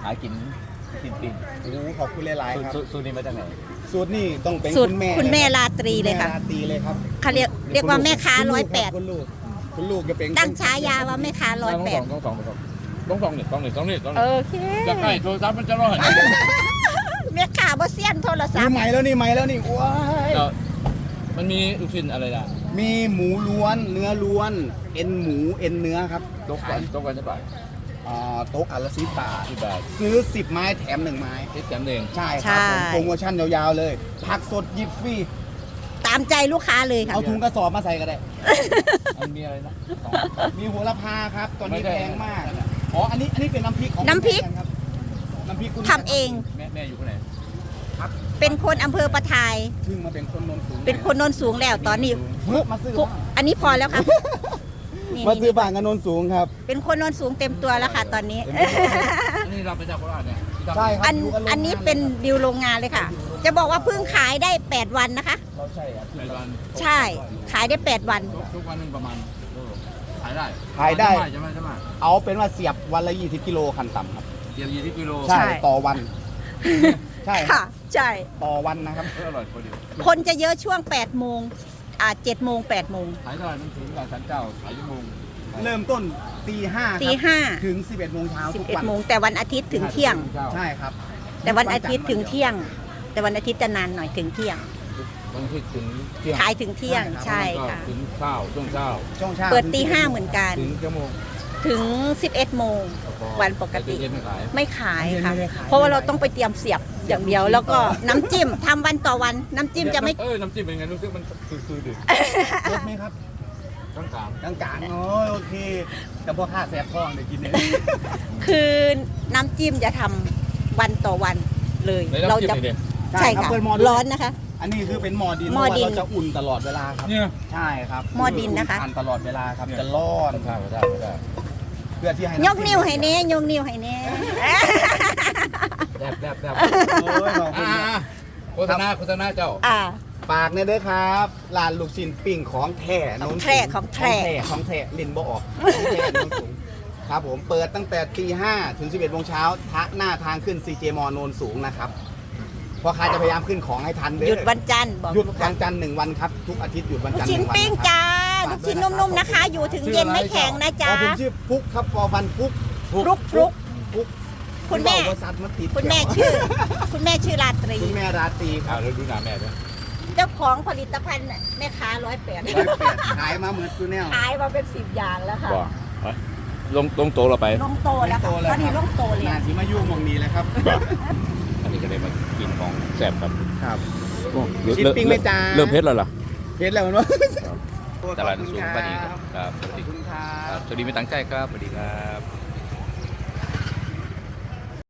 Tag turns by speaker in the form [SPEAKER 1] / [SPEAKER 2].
[SPEAKER 1] หากินปิ้ง
[SPEAKER 2] โอ้ขอบคุณหลายๆครับ
[SPEAKER 1] สูตรนี้มาจากไหน
[SPEAKER 2] สูตรนี่ต้องเป็น
[SPEAKER 3] สูตร
[SPEAKER 2] คุณแม่
[SPEAKER 3] ราตรีเลยค่ะ
[SPEAKER 2] ณแม่ราตรีเลยครับ
[SPEAKER 3] เขาเรียกว่าแม่ค้า108
[SPEAKER 2] คุณลูกจะเป็น
[SPEAKER 3] ตั้งฉายาว่าแม่ค้า108
[SPEAKER 1] ต้องนี่
[SPEAKER 3] โอเค
[SPEAKER 1] จะใกล้โทรศัพท์มันจะร้อน
[SPEAKER 3] แม่ค้าบ่เซียนโทรศัพ
[SPEAKER 2] นี่
[SPEAKER 3] ท์
[SPEAKER 2] ใหม่แล้วนี่ว้าย
[SPEAKER 1] มันมีลูกชิ้นอะไรล่ะ
[SPEAKER 2] มีหมูล้วนเนื้อล้วนเอ็นหมูเอ็นเนื้อครับ
[SPEAKER 1] ตกกันใช่ป่ะ
[SPEAKER 2] โต๊ะอันละ10 บาท
[SPEAKER 1] 10 บาท
[SPEAKER 2] ซื้อ10 ไม้แถม1 ไม้
[SPEAKER 1] คิดแถมหนึ่ง
[SPEAKER 2] ใช่ครับผมโปรโมชั่นยาวๆเลยผักสดหยิบฟรี
[SPEAKER 3] ตามใจลูกค้าเลยค่ะ
[SPEAKER 2] เอาถุงกระสอบมาใส่ก็ได้
[SPEAKER 1] มันมีอะไรนะ
[SPEAKER 2] มีโหระพาครับตอนนี้
[SPEAKER 1] ไม่ได้
[SPEAKER 2] แพงมากอ๋ออันนี้เป็นน้ำพริกของ
[SPEAKER 3] น้ำพริก
[SPEAKER 2] คุณแม่ครับน้ำพริกคุณ
[SPEAKER 3] ทำเอง
[SPEAKER 1] แม่อยู่ที่ไหน
[SPEAKER 2] ครับ
[SPEAKER 3] เป็นคนอำเภอประทาย
[SPEAKER 2] ซึ่งมาเป็นคนโนนสูง
[SPEAKER 3] เป็นคนโนนสูงแล้วตอนนี้
[SPEAKER 2] มาซื้อ
[SPEAKER 3] ฟุกอันนี้พอแล้วค่ะนี่
[SPEAKER 2] มาซื้อบ้านกับโนนสูงครับ
[SPEAKER 3] เป็นคนโนนสูงเต็มตัวแล้วค่ะ ตอนนี้
[SPEAKER 1] อันนี้เราไปจากโคราชเนี่ย
[SPEAKER 2] ใช่ครับ
[SPEAKER 3] อันนี้เป็นดิวโรงงานเลยค่ะ จะบอกว่าเพิ่งขายได้8 วันนะคะ
[SPEAKER 2] เราใช่ครับ
[SPEAKER 1] ในวัน
[SPEAKER 3] ใช่ขายได้8 วัน
[SPEAKER 1] ทุกวันนึงประมาณขายได้
[SPEAKER 2] ขายได้
[SPEAKER 1] ใช่ไหม
[SPEAKER 2] เอาเป็นว่าเสียบวันละ20 กิโลคันต่ำครับ
[SPEAKER 1] เดี๋ยว20 กิโล
[SPEAKER 2] ใช่ต่อวัน ใช่
[SPEAKER 3] ค่ะ ใช่
[SPEAKER 2] ต่อวันนะครับ
[SPEAKER 1] อร่อยพอดี
[SPEAKER 3] คนจะเยอะช่วง8 โมง7 โมง8 โมง
[SPEAKER 1] ขายตลาดมันถึงกับสันเจ้าขายชั่วโมง
[SPEAKER 2] เริ่มต้นตีห้า
[SPEAKER 3] ตี5
[SPEAKER 2] ถึง 11 โมงเช้าทุกวัน
[SPEAKER 3] 11 โมงแต่วันอาทิตย์ถึงเที่ยง
[SPEAKER 2] ใช่ครับ
[SPEAKER 3] แต่วันอาทิตย์ถึงเที่ยง แต่วันอาทิตย์จะนานหน่อยถึงเที่ยง
[SPEAKER 1] วันอาทิตย์ถึงเที่ยง
[SPEAKER 3] ขายถึงเที่ยงใช่ค่ะ
[SPEAKER 1] ถึงเช้าช่วงเช้า
[SPEAKER 2] ช่วงเช้า
[SPEAKER 3] เปิดตี5เหมือนกัน
[SPEAKER 1] ถึงชั่วโมง
[SPEAKER 3] ถึง 11 โมง วันปกติ
[SPEAKER 1] เย็นไม่ขาย
[SPEAKER 3] ไม่ขายค่ะ เพราะว่าเราต้องไปเตรียมเสียบอย่างเดียว แล้วก็น้ำจิ้มทำวันต่อวัน น้ำจิ้มจะไม่
[SPEAKER 1] น้ำจิ้มเป็นไงรู้สึกมันคือดื่ม
[SPEAKER 2] รสไหมครับ
[SPEAKER 1] ต้องกลาง
[SPEAKER 2] กลางๆโอเค แต่พวกข้าแสบท้องเดี๋ยวกินเนี่ย
[SPEAKER 3] คือน้ำจิ้มจะทำวันต่อวันเลย
[SPEAKER 1] เรา
[SPEAKER 3] เรา
[SPEAKER 1] จะ
[SPEAKER 3] จะ
[SPEAKER 2] ใช่
[SPEAKER 3] ใช่
[SPEAKER 2] ครับ
[SPEAKER 3] ค่ะ
[SPEAKER 2] เปิดหม้อ
[SPEAKER 3] ร้อนนะคะ
[SPEAKER 2] อันนี้คือเป็นหม้อดิน
[SPEAKER 3] หม้อดิน
[SPEAKER 2] เพราะว่าเราจะอุ่นตลอดเวลาครับ
[SPEAKER 1] เนี่ย
[SPEAKER 2] ใช่ครับ
[SPEAKER 3] หม้อดินนะคะ
[SPEAKER 2] อุ่ตลอดเวลาครับจะร้อน
[SPEAKER 1] ข้าวได้
[SPEAKER 2] เพื่อที่ให้
[SPEAKER 3] ยกนิ้วให้เน่ยกนิ้วให้เน่
[SPEAKER 1] แดบ
[SPEAKER 2] โอ้ยขอบคุณครับ
[SPEAKER 1] โฆษณาเจ้า
[SPEAKER 2] ฝากเนี่ยเด้อครับร้านลูกชิ้นปิ้งของแท้
[SPEAKER 3] ของแท้ของแท้
[SPEAKER 2] ของแท้ลิ้นบ่ออกของแท้โน้นสูงครับผมเปิดตั้งแต่ตี 5 ถึง 11 โมงเช้าหน้าทางขึ้น CJ มโนนสูงนะครับเพราะค้าจะพยายามขึ้นของให้ทันเด้อ
[SPEAKER 3] หยุดวันจันทร์บอก
[SPEAKER 2] หยุดวันจันทร์1 วันครับ ทุกอาทิตย์หยุดวัน
[SPEAKER 3] ลู
[SPEAKER 2] จัน
[SPEAKER 3] ก
[SPEAKER 2] ทร์
[SPEAKER 3] ชิ้น
[SPEAKER 2] 1 วัน
[SPEAKER 3] ปิ้ง
[SPEAKER 2] ครับ
[SPEAKER 3] จ้าลูกชิ้นนุ่มๆนะคะ อยู่ถึงเย็นไม่แข็งนะ
[SPEAKER 2] อ๋
[SPEAKER 3] จ๊ะ
[SPEAKER 2] อผมชื่อฟุกครับฟอฟันฟุก
[SPEAKER 3] ฟลุกฟลุก
[SPEAKER 2] ฟุก
[SPEAKER 3] คุณแม่
[SPEAKER 2] บริษัทมาติด
[SPEAKER 3] คุณแม่ชื่อ คุณแม่ชื่อราตรี
[SPEAKER 2] คุณแม่ราตรีค
[SPEAKER 1] อ่า
[SPEAKER 2] รับ
[SPEAKER 1] เราดูหน้าแม่ด้วย
[SPEAKER 3] เจ้าของผลิตภัณฑ์น่ะแม่ค้า108
[SPEAKER 2] ขายมาเหมือนคุณแนว
[SPEAKER 3] ขายมาเป็น10 อย่างแล้วค่ะ
[SPEAKER 1] บ่ลงโตเราไป
[SPEAKER 3] ลงโตแล้วค่ะตอนนี้ลงโตเลย
[SPEAKER 2] นาทีมายุ่งมองนี้เลยครับ
[SPEAKER 1] อันนี้ก็เลยมากินของแซ่บครับ
[SPEAKER 2] ครับ
[SPEAKER 1] โอ้
[SPEAKER 2] ชิ้นปิ้งไหมจ๊ะ
[SPEAKER 1] เริ่มเพชรแล้วเหรอ
[SPEAKER 2] เพชรแล้วมันวะ
[SPEAKER 1] ตลาดสูงปานีครับ
[SPEAKER 2] ขอบคุณครั
[SPEAKER 1] ครับ บสวัสดีไม่ตั้งใจครับสวัสดีครับ